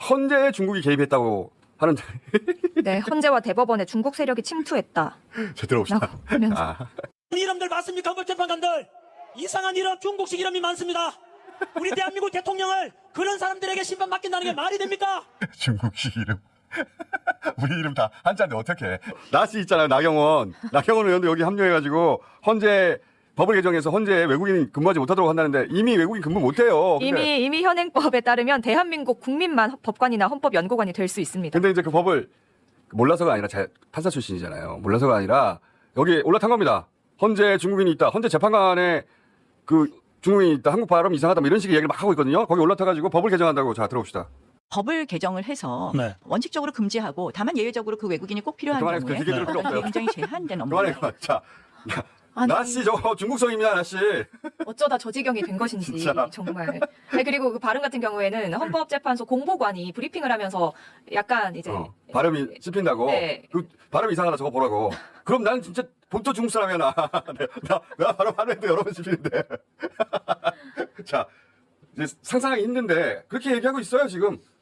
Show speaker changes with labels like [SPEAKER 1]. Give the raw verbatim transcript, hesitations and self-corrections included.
[SPEAKER 1] 헌재에 중국이 개입했다고 하는데.
[SPEAKER 2] 네, 헌재와 대법원에 중국 세력이 침투했다.
[SPEAKER 1] 자, 들어봅시다.
[SPEAKER 2] 라고 하면서.
[SPEAKER 1] 아.
[SPEAKER 3] 이름들 봤습니까? 헌법재판관들 이상한 이름, 중국식 이름이 많습니다. 우리 대한민국 대통령을 그런 사람들에게 심판 맡긴다는 게 말이 됩니까?
[SPEAKER 1] 중국식 이름. 우리 이름 다 한자인데 어떡해. 나씨 있잖아요. 나경원. 나경원 의원도 여기 합류해가지고 헌재 법을 개정해서 헌재에 외국인 근무하지 못하도록 한다는데 이미 외국인 근무 못해요. 근데,
[SPEAKER 2] 이미 이미 현행법에 따르면 대한민국 국민만 법관이나 헌법연구관이 될 수 있습니다.
[SPEAKER 1] 근데 이제 그 법을 몰라서가 아니라 자, 판사 출신이잖아요. 몰라서가 아니라 여기 올라탄 겁니다. 헌재 중국인이 있다. 헌재 재판관에 그 중국인이 있다. 한국 발음 이상하다. 뭐 이런 식의 얘기를 막 하고 있거든요. 거기 올라타가지고 법을 개정한다고. 자, 들어봅시다.
[SPEAKER 4] 법을 개정을 해서
[SPEAKER 3] 네.
[SPEAKER 4] 원칙적으로 금지하고 다만 예외적으로 그 외국인이 꼭 필요한
[SPEAKER 1] 그만해.
[SPEAKER 4] 경우에
[SPEAKER 1] 그렇게 들을 필요 없어요.
[SPEAKER 4] 굉장히 제한된
[SPEAKER 1] 그만해,
[SPEAKER 4] 업무예요.
[SPEAKER 1] 그만. 자,
[SPEAKER 2] 아니,
[SPEAKER 1] 나씨 저거 중국성입니다, 나씨.
[SPEAKER 2] 어쩌다 저 지경이 된 것인지
[SPEAKER 1] 진짜.
[SPEAKER 2] 정말. 아니, 그리고 그 발음 같은 경우에는 헌법재판소 공보관이 브리핑을 하면서 약간 이제
[SPEAKER 1] 어, 발음이 씹힌다고.
[SPEAKER 2] 네.
[SPEAKER 1] 그 발음 이상하다 저거 보라고. 그럼 나는 진짜 본토 중국 사람이야 나. 나, 나 발음 하는데 여러 번 씹히는데. 자, 이제 상상하기 힘든데 그렇게 얘기하고 있어요 지금.